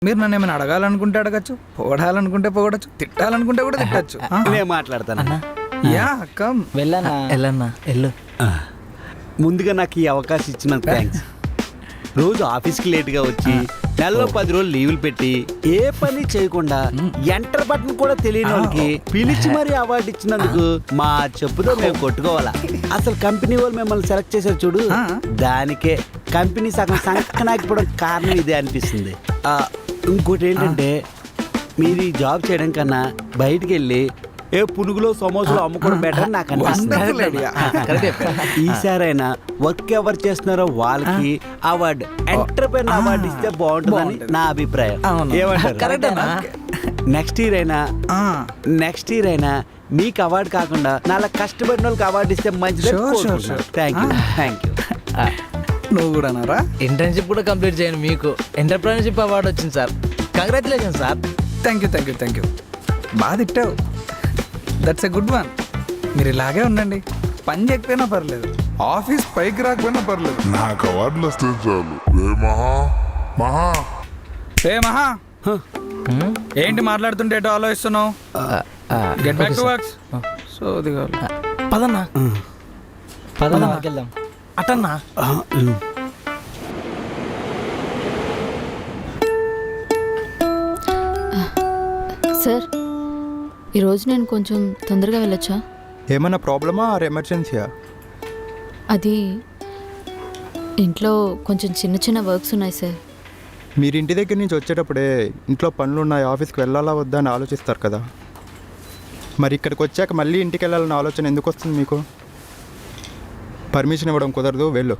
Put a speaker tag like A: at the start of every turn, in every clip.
A: మీరు నన్ను ఏమైనా అడగాలనుకుంటే అడగచ్చు, పొగడాలనుకుంటే పొగడచ్చు, తిట్టాలనుకుంటే కూడా తిట్టచ్చు.
B: నేను మాట్లాడతాను.
A: Yeah come.
C: వెళ్ళన్నా వెళ్ళు.
B: ముందుగా నాకు ఈ అవకాశం ఇచ్చినందుకు థ్యాంక్స్. రోజు ఆఫీస్కి లేట్గా వచ్చి నెలలో 10 రోజులు లీవులు పెట్టి ఏ పని చేయకుండా ఎంటర్ బటన్ కూడా తెలియని వాళ్ళకి పిలిచి మరీ అవార్డు ఇచ్చినందుకు మా చెప్పుతో మేము కొట్టుకోవాలా. అసలు కంపెనీ వాళ్ళు మిమ్మల్ని సెలెక్ట్ చేశారు చూడు, దానికే కంపెనీ సగం సంకనాకపోవడం కారణం ఇదే అనిపిస్తుంది. ఇంకోటి ఏంటంటే మీరు ఈ జాబ్ చేయడం కన్నా బయటికి వెళ్ళి ఏ పునుగులో సమోసాలు అమ్ముకోవడం బెటర్ నాకు అనిపిస్తుంది. ఈసారైనా వర్క్ ఎవరు చేస్తున్నారో వాళ్ళకి అవార్డు, ఎంటర్‌ప్రెన్యూర్ అవార్డు ఇస్తే బాగుంటుందని నా అభిప్రాయం. ఏమంటారు? నెక్స్ట్ ఇయర్ అయినా మీకు అవార్డు కాకుండా నాలా కష్టపడిన వాళ్ళకి అవార్డు ఇస్తే మంచిది. Thank you.
A: నువ్వు కూడా అన్నారా?
C: ఇంటర్న్షిప్ కూడా కంప్లీట్ చేయండి, మీకు ఎంటర్‌ప్రెన్యూర్‌షిప్ అవార్డు వచ్చింది sir. Congratulation sir.
A: Thank you. బాగా తిట్టావు. That's a good one. మీరు ఇలాగే ఉండండి, పని చేయకపోయినా పర్లేదు, ఆఫీస్ పైకి రాకపోయినా పర్లేదు,
D: నాకు అవార్డులు వస్తే చాలు.
A: మహా ఏంటి మాట్లాడుతుంటే ఏటో ఆలోచిస్తున్నావు? Get back to works.
C: పదన్నా వెళ్దాం. అటన్నా
E: సార్, ఈరోజు నేను కొంచెం తొందరగా వెళ్ళొచ్చా?
F: ఏమన్నా ప్రాబ్లమా ఆర్ ఎమర్జెన్సీయా?
E: అది ఇంట్లో కొంచెం చిన్న వర్క్స్ ఉన్నాయి సార్.
F: మీరు ఇంటి దగ్గర నుంచి వచ్చేటప్పుడే ఇంట్లో పనులు ఉన్నాయి, ఆఫీస్కి వెళ్ళాలా వద్దా అని ఆలోచిస్తారు కదా, మరి ఇక్కడికి వచ్చాక మళ్ళీ ఇంటికి వెళ్ళాలన్న ఆలోచన ఎందుకు వస్తుంది మీకు? పర్మిషన్ ఇవ్వడం కుదరదు, వెళ్ళు.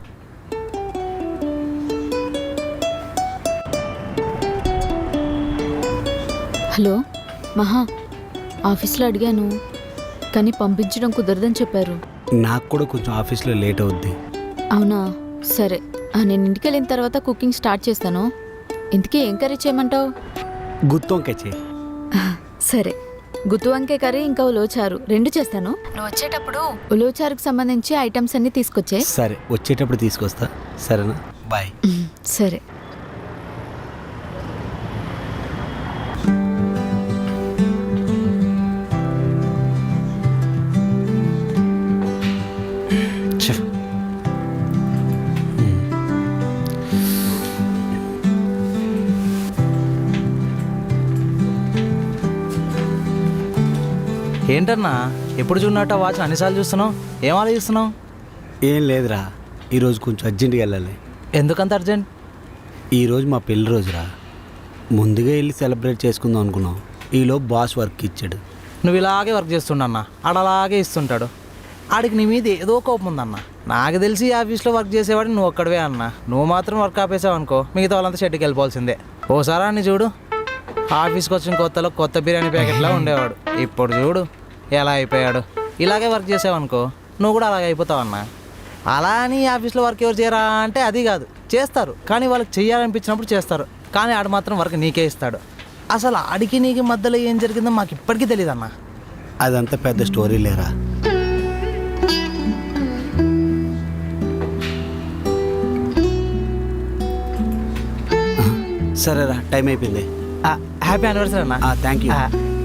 E: హలో మహా, ఆఫీస్లో అడిగాను కానీ పంపించడం కుదరదని చెప్పారు.
B: నాకు కూడా కొంచెం ఆఫీస్లో లేట్ అవుద్ది.
E: అవునా, సరే. నేను ఇంటికి వెళ్ళిన తర్వాత కుకింగ్ స్టార్ట్ చేస్తాను. ఇంతకీ ఏం కర్రీ చేయమంటావు?
B: గుత్తి వంకాయ చేయి.
E: సరే, గుత్తి వంకాయ కర్రీ ఇంకా ఉలవచారు 2 చేస్తాను. నువ్వు వచ్చేటప్పుడు ఉలవచారుకు సంబంధించి ఐటమ్స్ అన్ని తీసుకొచ్చే.
B: సరే, వచ్చేటప్పుడు తీసుకొస్తా. సరేనా? బాయ్.
E: సరే.
C: ఏంటన్నా ఎప్పుడు చూడనట్టు వాచ్ అన్నిసార్లు చూస్తున్నావు? ఏం ఆలోచిస్తున్నావు?
B: ఏం లేదురా, ఈరోజు కొంచెం అర్జెంటుగా వెళ్ళాలి.
C: ఎందుకంత అర్జెంట్?
B: ఈరోజు మా పెళ్లి రోజురా, ముందుగా వెళ్ళి సెలబ్రేట్ చేసుకుందాం అనుకున్నాం. ఈలో బాస్ వర్క్ ఇచ్చాడు.
C: నువ్వు ఇలాగే వర్క్ చేస్తుండన్నా, ఆడలాగే ఇస్తుంటాడు. ఆడికి నీ మీద ఏదో కోపం ఉందన్న. నాకు తెలిసి ఆఫీస్లో వర్క్ చేసేవాడిని నువ్వు ఒక్కడవే అన్న. నువ్వు మాత్రం వర్క్ ఆపేసావు అనుకో, మిగతా వాళ్ళంతా షెడ్కి వెళ్ళిపోవాల్సిందే. ఓసారా అని చూడు, ఆఫీస్కి వచ్చిన కొత్తలో కొత్త బిర్యానీ ప్యాకెట్లా ఉండేవాడు, ఇప్పుడు చూడు ఎలా అయిపోయాడు. ఇలాగే వర్క్ చేసావనుకో నువ్వు కూడా అలాగే అయిపోతావు అన్న. అలా అని ఆఫీస్లో వర్క్ ఎవరు చేయరా అంటే అది కాదు, చేస్తారు. కానీ వాళ్ళకి చెయ్యాలనిపించినప్పుడు చేస్తారు. కానీ ఆడు మాత్రం వర్క్ నీకే ఇస్తాడు. అసలు ఆడికి నీకు మధ్యలో ఏం జరిగిందో మాకు ఇప్పటికీ తెలియదు అన్న.
B: అదంతా పెద్ద స్టోరీ లేరా. సరేరా, టైం అయిపోయింది.
C: హ్యాపీ యానివర్సరీ అన్న.
B: Thank you.